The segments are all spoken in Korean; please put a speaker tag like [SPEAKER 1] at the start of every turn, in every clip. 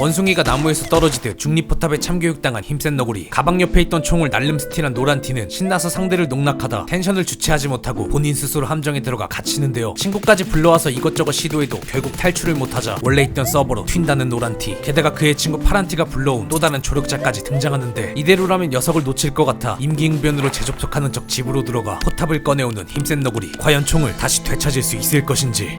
[SPEAKER 1] 원숭이가 나무에서 떨어지듯 중립포탑에 참교육당한 힘센 너구리. 가방 옆에 있던 총을 날름 스틸한 노란티는 신나서 상대를 농락하다 텐션을 주체하지 못하고 본인 스스로 함정에 들어가 갇히는데요. 친구까지 불러와서 이것저것 시도해도 결국 탈출을 못하자 원래 있던 서버로 튄다는 노란티. 게다가 그의 친구 파란티가 불러온 또 다른 조력자까지 등장하는데 이대로라면 녀석을 놓칠 것 같아 임기응변으로 재접속하는 척 집으로 들어가 포탑을 꺼내오는 힘센 너구리. 과연 총을 다시 되찾을 수 있을 것인지.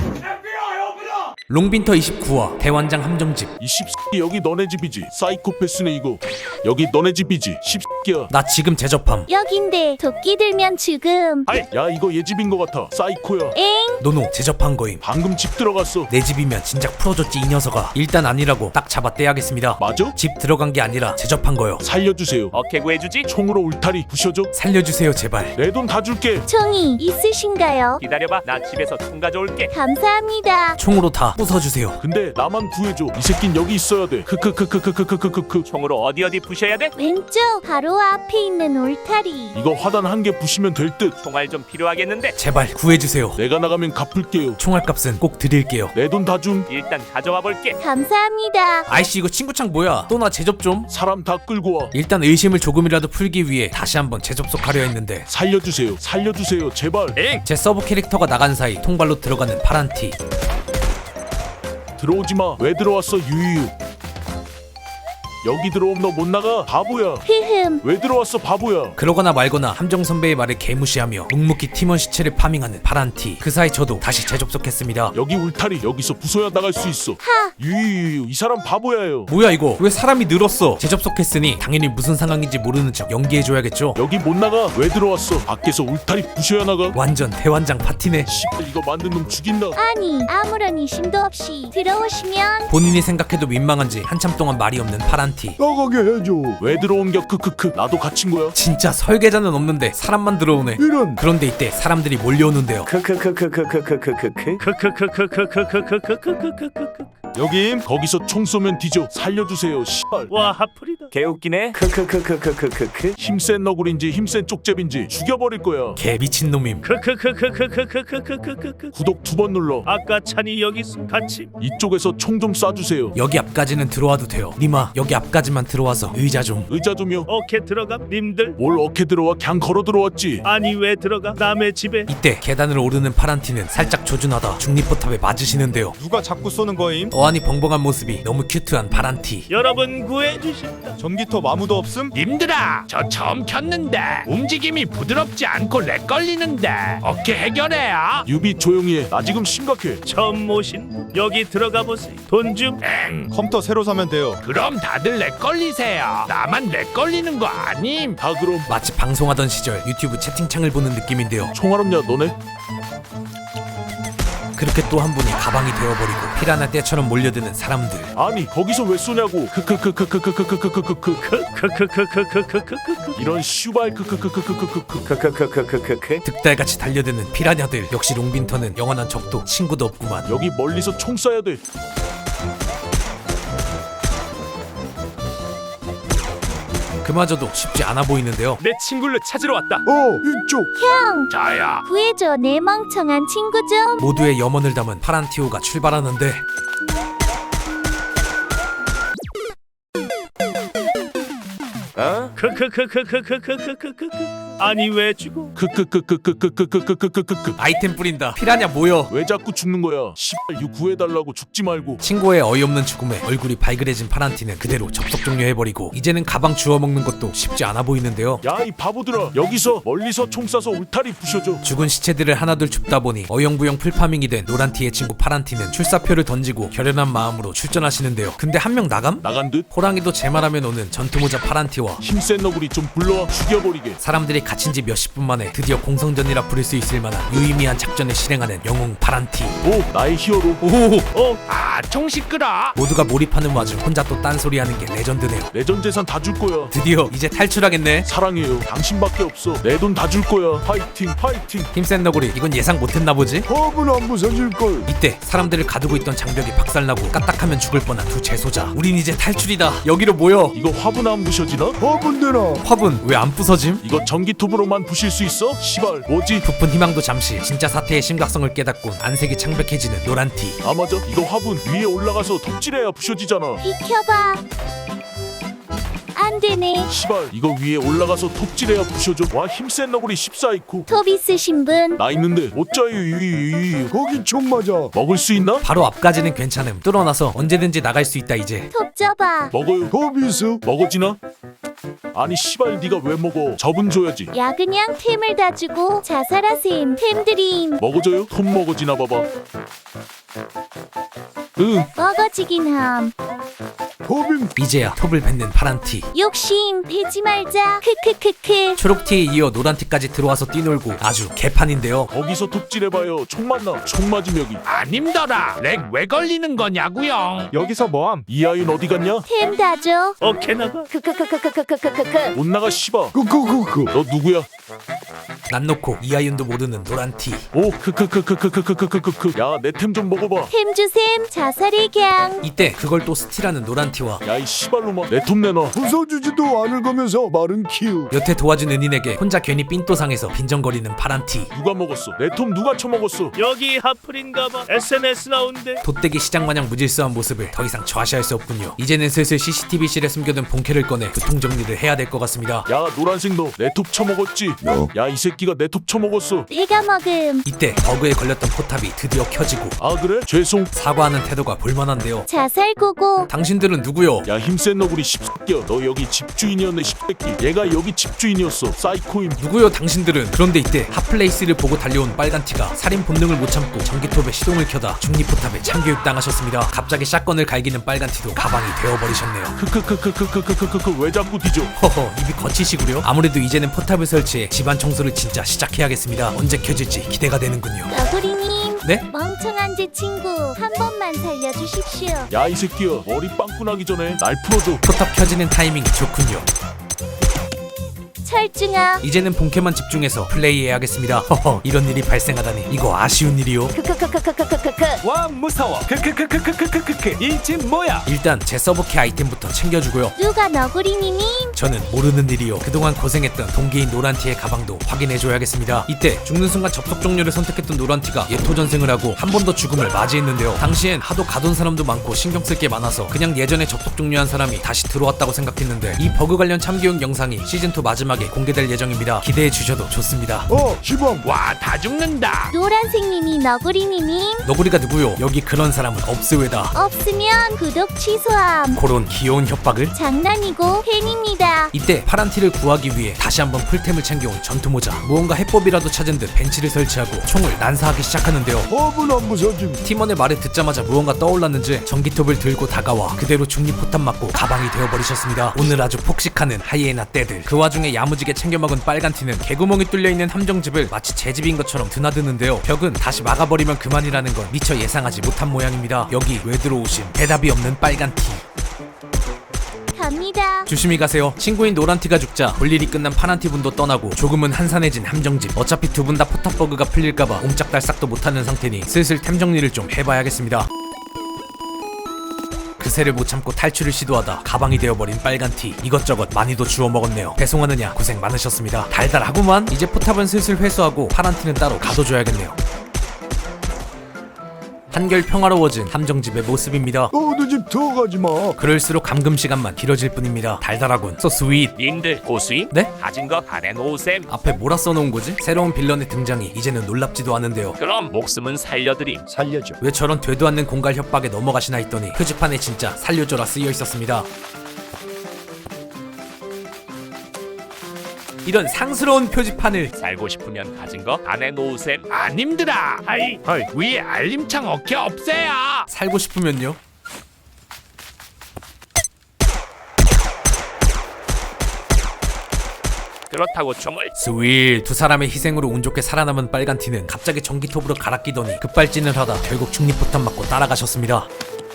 [SPEAKER 1] 롱빈터 29화 대환장 함정집.
[SPEAKER 2] 이 씹새끼 여기 너네 집이지? 사이코패스네 이거. 여기 너네 집이지? 씹새끼야.
[SPEAKER 1] 나 지금 제접함.
[SPEAKER 3] 여긴데 도끼 들면 죽음.
[SPEAKER 2] 아이, 야 이거 얘 집인 것 같아. 사이코야.
[SPEAKER 3] 엥?
[SPEAKER 1] 노노 제접한 거임.
[SPEAKER 2] 방금 집 들어갔어.
[SPEAKER 1] 내 집이면 진작 풀어줬지 이 녀석아. 일단 아니라고 딱 잡아 떼야겠습니다.
[SPEAKER 2] 맞아?
[SPEAKER 1] 집 들어간 게 아니라 제접한 거요.
[SPEAKER 2] 살려주세요.
[SPEAKER 4] 어케 구해주지?
[SPEAKER 2] 총으로 울타리 부셔줘.
[SPEAKER 1] 살려주세요 제발.
[SPEAKER 2] 내 돈 다 줄게.
[SPEAKER 3] 총이 있으신가요?
[SPEAKER 4] 기다려봐, 나 집에서 총 가져올게.
[SPEAKER 3] 감사합니다.
[SPEAKER 1] 총으로 다 부숴주세요.
[SPEAKER 2] 근데 나만 구해줘. 이 새낀 여기 있어야 돼. 크크크크크크크크크.
[SPEAKER 4] 총으로 어디 부셔야 돼?
[SPEAKER 3] 왼쪽 바로 앞에 있는 울타리.
[SPEAKER 2] 이거 화단 한 개 부시면 될 듯.
[SPEAKER 4] 총알 좀 필요하겠는데?
[SPEAKER 1] 제발 구해주세요.
[SPEAKER 2] 내가 나가면 갚을게요.
[SPEAKER 1] 총알값은 꼭 드릴게요.
[SPEAKER 2] 내 돈 다 줌.
[SPEAKER 4] 일단 가져와 볼게.
[SPEAKER 3] 감사합니다.
[SPEAKER 1] 아이씨 이거 친구창 뭐야? 또 나 제접 좀.
[SPEAKER 2] 사람 다 끌고 와.
[SPEAKER 1] 일단 의심을 조금이라도 풀기 위해 다시 한번 재접속하려 했는데
[SPEAKER 2] 살려주세요. 살려주세요. 제발.
[SPEAKER 1] 제 서브 캐릭터가 나간 사이 통발로 들어가는 파란티.
[SPEAKER 2] 들어오지 마. 왜 들어왔어 유유유. 여기 들어오면 너 못 나가. 바보야.
[SPEAKER 3] 흐흠.
[SPEAKER 2] 왜 들어왔어 바보야.
[SPEAKER 1] 그러거나 말거나 함정 선배의 말을 개무시하며 묵묵히 팀원 시체를 파밍하는 파란티. 그 사이 저도 다시 재접속했습니다.
[SPEAKER 2] 여기 울타리 여기서 부숴야 나갈 수 있어.
[SPEAKER 3] 하.
[SPEAKER 2] 유유유 이 사람 바보야요.
[SPEAKER 1] 뭐야 이거? 왜 사람이 늘었어? 재접속했으니 당연히 무슨 상황인지 모르는 척 연기해줘야겠죠?
[SPEAKER 2] 여기 못 나가. 왜 들어왔어? 밖에서 울타리 부셔야 나가.
[SPEAKER 1] 완전 대환장 파티네.
[SPEAKER 2] 씨발 이거 만든 놈 죽인다.
[SPEAKER 3] 아니 아무런 의심도 없이 들어오시면
[SPEAKER 1] 본인이 생각해도 민망한지 한참 동안 말이 없는 파란티.
[SPEAKER 2] 나가게 해줘. 왜 들어온겨 크크크. 나도 갇힌 거야.
[SPEAKER 1] 진짜 설계자는 없는데 사람만 들어오네.
[SPEAKER 2] 이런.
[SPEAKER 1] 그런데 이때 사람들이 몰려오는데요.
[SPEAKER 2] 여김. 거기서 총 쏘면 뒤져. 살려주세요. 씨발.
[SPEAKER 4] 와, 하풀이다. 개웃기네.
[SPEAKER 2] 힘센 너구리인지 힘센 쪽잽인지 죽여버릴 거야.
[SPEAKER 1] 개 미친놈임.
[SPEAKER 2] 구독 2번 눌러.
[SPEAKER 4] 아까 찬이 여기 있어. 같이.
[SPEAKER 2] 이쪽에서 총 좀 쏴주세요.
[SPEAKER 1] 여기 앞까지는 들어와도 돼요. 니마 여기 앞까지만 들어와서 의자 좀.
[SPEAKER 2] 의자 좀요.
[SPEAKER 4] 어케 들어가. 님들.
[SPEAKER 2] 뭘 어케 들어와. 그냥 걸어 들어왔지.
[SPEAKER 4] 아니 왜 들어가? 남의 집에.
[SPEAKER 1] 이때 계단을 오르는 파란티는 살짝 조준하다 중립포탑에 맞으시는데요.
[SPEAKER 5] 누가 자꾸 쏘는 거임?
[SPEAKER 1] 어안이 벙벙한 모습이 너무 큐트한 파란티.
[SPEAKER 4] 여러분 구해주신다.
[SPEAKER 5] 전기톱 아무도 없음?
[SPEAKER 6] 님들아, 저 처음 켰는데 움직임이 부드럽지 않고 렉 걸리는데 어떻게 해결해요?
[SPEAKER 2] 유비 조용히 해. 나 지금 심각해.
[SPEAKER 4] 처음 모신 여기 들어가 보세요. 돈 좀.
[SPEAKER 5] 컴퓨터 새로 사면 돼요.
[SPEAKER 6] 그럼 다들 렉 걸리세요. 나만 렉 걸리는 거 아님?
[SPEAKER 2] 다 그럼.
[SPEAKER 1] 마치 방송하던 시절 유튜브 채팅창을 보는 느낌인데요.
[SPEAKER 2] 총알 없냐 너네?
[SPEAKER 1] 그렇게 또 한 분이 가방이 되어버리고 피라냐 떼처럼 몰려드는 사람들.
[SPEAKER 2] 아니 거기서 왜 쏘냐고. 크크크크크크크크크크크크. 이런 슈발 크크크크크크크크크크.
[SPEAKER 1] 득달같이 달려드는 피라냐들. 역시 롱빈터는 영원한 적도 친구도 없구만.
[SPEAKER 2] 여기 멀리서 총 쏴야 돼.
[SPEAKER 1] 그마저도 쉽지 않아 보이는데요.
[SPEAKER 4] 내 친구를 찾으러 왔다.
[SPEAKER 2] 이쪽.
[SPEAKER 3] 형
[SPEAKER 6] 저요.
[SPEAKER 3] 구해줘 내 멍청한 친구 좀.
[SPEAKER 1] 모두의 염원을 담은 파란티오가 출발하는데
[SPEAKER 4] 아니 왜 죽어?
[SPEAKER 2] 크크크크크크크크크크크크.
[SPEAKER 1] 아이템 뿌린다. 피라냐 모여.
[SPEAKER 2] 왜 자꾸 죽는 거야? 씨발 유 구해달라고 죽지 말고.
[SPEAKER 1] 친구의 어이없는 죽음에 얼굴이 발그레진 파란티는 그대로 접속 종료해버리고 이제는 가방 주워먹는 것도 쉽지 않아 보이는데요.
[SPEAKER 2] 야 이 바보들아. 여기서 멀리서 총 쏴서 울타리 부셔줘.
[SPEAKER 1] 죽은 시체들을 하나둘 줍다 보니 어영부영 풀파밍이 된 노란티의 친구 파란티는 출사표를 던지고 결연한 마음으로 출전하시는데요. 근데 한 명 나감?
[SPEAKER 2] 나간 듯.
[SPEAKER 1] 호랑이도 제 말하면 오는 전투모자 파란티와
[SPEAKER 2] 힘센 너구리 좀 불러와 죽여버리게.
[SPEAKER 1] 사람들이 갇힌 지 몇십 분 만에 드디어 공성전이라 부를 수 있을 만한 유의미한 작전을 실행하는 영웅 파란티.
[SPEAKER 2] 오 나의 히어로.
[SPEAKER 1] 오!
[SPEAKER 6] 아, 총 시끄러.
[SPEAKER 1] 모두가 몰입하는 와중 혼자 또 딴소리하는 게 레전드네요.
[SPEAKER 2] 내전 재산 다 줄 거야.
[SPEAKER 1] 드디어 이제 탈출하겠네.
[SPEAKER 2] 사랑해요. 당신밖에 없어. 내 돈 다 줄 거야. 파이팅 파이팅.
[SPEAKER 1] 힘센 너구리 이건 예상 못했나 보지?
[SPEAKER 2] 법은 안 부서질걸.
[SPEAKER 1] 이때 사람들을 가두고 있던 장벽이 박살나고 까딱하면 죽을 뻔한 두 재소자. 우린 이제 탈출이다. 여기로 모여.
[SPEAKER 2] 이거 화분 안 부셔지나? 화분 되나?
[SPEAKER 1] 화분 왜 안 부서짐?
[SPEAKER 2] 이거 전기 전기톱으로만 부실 수 있어? 시발 뭐지?
[SPEAKER 1] 부푼 희망도 잠시 진짜 사태의 심각성을 깨닫곤 안색이 창백해지는 노란티.
[SPEAKER 2] 아 맞아 이거 화분 위에 올라가서 톱질해야 부셔지잖아.
[SPEAKER 3] 비켜봐. 안 되네.
[SPEAKER 2] 시발 이거 위에 올라가서 톱질해야 부셔져. 와 힘센 너구리 14이코.
[SPEAKER 3] 톱 있으신 분?
[SPEAKER 2] 나 있는데 어짜유 거긴 총 맞아. 먹을 수 있나?
[SPEAKER 1] 바로 앞까지는 괜찮음. 뚫어놔서 언제든지 나갈 수 있다 이제.
[SPEAKER 3] 톱 줘봐.
[SPEAKER 2] 먹어요. 거비스 먹어지나? 아니 시발 네가 왜 먹어? 저분 줘야지.
[SPEAKER 3] 야 그냥 템을 다 주고 자살하셈. 템 드림.
[SPEAKER 2] 먹어줘요? 톱 먹어지나 봐봐. 응.
[SPEAKER 3] 먹어지긴 함.
[SPEAKER 2] 거빈
[SPEAKER 1] 이제야 톱을 뱉는 파란티.
[SPEAKER 3] 욕심 베지 말자. 크크크크.
[SPEAKER 1] 초록티에 이어 노란티까지 들어와서 뛰놀고 아주 개판인데요.
[SPEAKER 2] 거기서 톱질해봐요. 총 맞나? 총 맞음 여기.
[SPEAKER 6] 아님더라. 렉 왜 걸리는 거냐고요?
[SPEAKER 5] 여기서 뭐함?
[SPEAKER 2] 이 아이는 어디 갔냐?
[SPEAKER 3] 템 다 줘.
[SPEAKER 4] 어케 나가.
[SPEAKER 3] 크크크크크크크크크크.
[SPEAKER 2] 못 나가 씨발. 너 누구야?
[SPEAKER 1] 난 놓고 이하윤도 모르는 노란티.
[SPEAKER 2] 오 크크크크크크크크크크. 야 내 템 좀 먹어봐.
[SPEAKER 3] 템 주셈. 자살의 gang.
[SPEAKER 1] 이때 그걸 또 스틸하는 노란티와
[SPEAKER 2] 야 이 씨발로마 내 톱 내놔.
[SPEAKER 7] 부숴주지도 않을 거면서 말은 키우.
[SPEAKER 1] 여태 도와준 은인에게 혼자 괜히 삔또상해서 빈정거리는 파란티.
[SPEAKER 2] 누가 먹었어? 내 톱 누가 처먹었어?
[SPEAKER 4] 여기 하플인가봐. SNS 나온대.
[SPEAKER 1] 돗대기 시장마냥 무질서한 모습을 더 이상 좌시할 수 없군요. 이제는 슬슬 CCTV실에 숨겨둔 본캐를 꺼내 교통정리를 해야 될 것 같습니다.
[SPEAKER 2] 야 노란색 너 내 톱 처먹었지? 야 이 새끼가 내 톱 처먹었어.
[SPEAKER 3] 내가 먹음.
[SPEAKER 1] 이때 버그에 걸렸던 포탑이 드디어 켜지고
[SPEAKER 2] 아 그래? 죄송.
[SPEAKER 1] 사과하는 태도가 볼만한데요.
[SPEAKER 3] 자살고고.
[SPEAKER 1] 당신들은 누구요?
[SPEAKER 2] 야 힘센 너구리 씹새끼야. 너 여기 집주인이었네 씹새끼. 얘가 여기 집주인이었어. 사이코임.
[SPEAKER 1] 누구요 당신들은? 그런데 이때 핫플레이스를 보고 달려온 빨간티가 살인 본능을 못 참고 전기톱에 시동을 켜다 중립포탑에 참교육당하셨습니다. 갑자기 샷건을 갈기는 빨간티도 가방이 되어버리셨네요.
[SPEAKER 2] 크크크크크크크크크크 왜 자꾸 뒤져?
[SPEAKER 1] 허허 입이 거치시구려? 아무래도 이제는 포탑을 설치해 집안 청소를 진짜 시작해야겠습니다. 언제 켜질지 기대가 되는군요.
[SPEAKER 3] 너구리님.
[SPEAKER 1] 네?
[SPEAKER 3] 멍청한 제 친구 한 번만 살려주십시오.
[SPEAKER 2] 야 이 새끼야 머리 빵꾸 나기 전에 날 풀어줘.
[SPEAKER 1] 포탑 켜지는 타이밍이 좋군요.
[SPEAKER 3] 철중아.
[SPEAKER 1] 이제는 본캐만 집중해서 플레이해야겠습니다. 허허 이런 일이 발생하다니 이거 아쉬운 일이요.
[SPEAKER 3] 크크크크크크크크크.
[SPEAKER 5] 와 무서워. 크크크크크크크크. 이 집 뭐야?
[SPEAKER 1] 일단 제 서버캐 아이템부터 챙겨주고요.
[SPEAKER 3] 누가 너구리님임?
[SPEAKER 1] 저는 모르는 일이요. 그동안 고생했던 동기인 노란티의 가방도 확인해줘야겠습니다. 이때 죽는 순간 접속 종료를 선택했던 노란티가 예토전생을 하고 한 번 더 죽음을 맞이했는데요. 당시엔 하도 가둔 사람도 많고 신경 쓸 게 많아서 그냥 예전에 접속 종료한 사람이 다시 들어왔다고 생각했는데 이 버그 관련 참교육 영상이 시즌2 마지막에 공개될 예정입니다. 기대해 주셔도 좋습니다.
[SPEAKER 7] 시범.
[SPEAKER 6] 와 다 죽는다.
[SPEAKER 3] 노란색님이 너구리님임?
[SPEAKER 1] 너구리가 누구요? 여기 그런 사람은 없으외다.
[SPEAKER 3] 없으면 구독 취소함.
[SPEAKER 1] 그런 귀여운 협박을?
[SPEAKER 3] 장난이고 팬입니다.
[SPEAKER 1] 이때 파란티를 구하기 위해 다시 한번 풀템을 챙겨온 전투모자. 무언가 해법이라도 찾은 듯 벤치를 설치하고 총을 난사하기 시작하는데요.
[SPEAKER 7] 허분 안 부서짐.
[SPEAKER 1] 팀원의 말을 듣자마자 무언가 떠올랐는지 전기톱을 들고 다가와 그대로 중립포탑 맞고 가방이 되어버리셨습니다. 오늘 아주 폭식하는 하이에나 떼들. 그 와중에 야무지게 챙겨먹은 빨간티는 개구멍이 뚫려있는 함정집을 마치 제 집인 것처럼 드나드는데요. 벽은 다시 막아버리면 그만이라는 건 미처 예상하지 못한 모양입니다. 여기 왜 들어오신 대답이 없는 빨간티.
[SPEAKER 3] 갑니다.
[SPEAKER 1] 조심히 가세요. 친구인 노란티가 죽자 볼 일이 끝난 파란티 분도 떠나고 조금은 한산해진 함정집. 어차피 두 분 다 포탑 버그가 풀릴까봐 옴짝달싹도 못하는 상태니 슬슬 템 정리를 좀 해봐야겠습니다. 그새를 못 참고 탈출을 시도하다 가방이 되어버린 빨간티. 이것저것 많이도 주워 먹었네요. 배송하느냐 고생 많으셨습니다. 달달하구만. 이제 포탑은 슬슬 회수하고 파란티는 따로 가둬줘야겠네요. 한결 평화로워진 함정집의 모습입니다.
[SPEAKER 7] 어느 집 들어가지 마.
[SPEAKER 1] 그럴수록 감금 시간만 길어질 뿐입니다. 달달하군. So sweet.
[SPEAKER 4] 님들 고수임?
[SPEAKER 1] 네?
[SPEAKER 4] 가진 거 다 내놓으셈.
[SPEAKER 1] 앞에 뭐라 써놓은 거지? 새로운 빌런의 등장이 이제는 놀랍지도 않은데요.
[SPEAKER 4] 그럼 목숨은 살려드림.
[SPEAKER 7] 살려줘.
[SPEAKER 1] 왜 저런 되도 않는 공갈 협박에 넘어가시나 했더니 표지판에 진짜 살려줘라 쓰여 있었습니다. 이런 상스러운 표지판을.
[SPEAKER 4] 살고 싶으면 가진 거 다 내놓으셈.
[SPEAKER 6] 아님들아.
[SPEAKER 4] 하이.
[SPEAKER 6] 위에 알림창 어깨 없애요.
[SPEAKER 1] 살고 싶으면요?
[SPEAKER 4] 그렇다고 총을.
[SPEAKER 1] 스윗. 두 사람의 희생으로 운 좋게 살아남은 빨간티는 갑자기 전기톱으로 갈아 끼더니 급발진을 하다 결국 중립포탑 맞고 따라가셨습니다.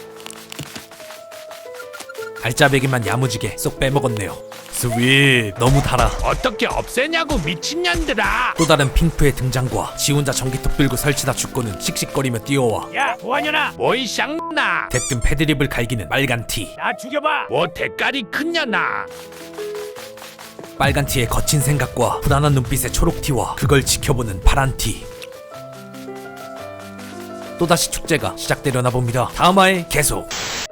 [SPEAKER 1] 알짜배기만 야무지게 쏙 빼먹었네요. 스윗. 너무 달아.
[SPEAKER 6] 어떻게 없애냐고 미친년들아.
[SPEAKER 1] 또 다른 핑프의 등장과 지 혼자 전기톱 들고 설치다 죽고는 씩씩거리며 뛰어와
[SPEAKER 4] 야 보안연아.
[SPEAKER 6] 뭐이 쌍나.
[SPEAKER 1] 대뜸 패드립을 갈기는 빨간티.
[SPEAKER 4] 나 죽여봐.
[SPEAKER 6] 뭐 대가리 큰 년아.
[SPEAKER 1] 빨간 티의 거친 생각과 불안한 눈빛의 초록 티와 그걸 지켜보는 파란 티. 또다시 축제가 시작되려나 봅니다. 다음 화에 계속.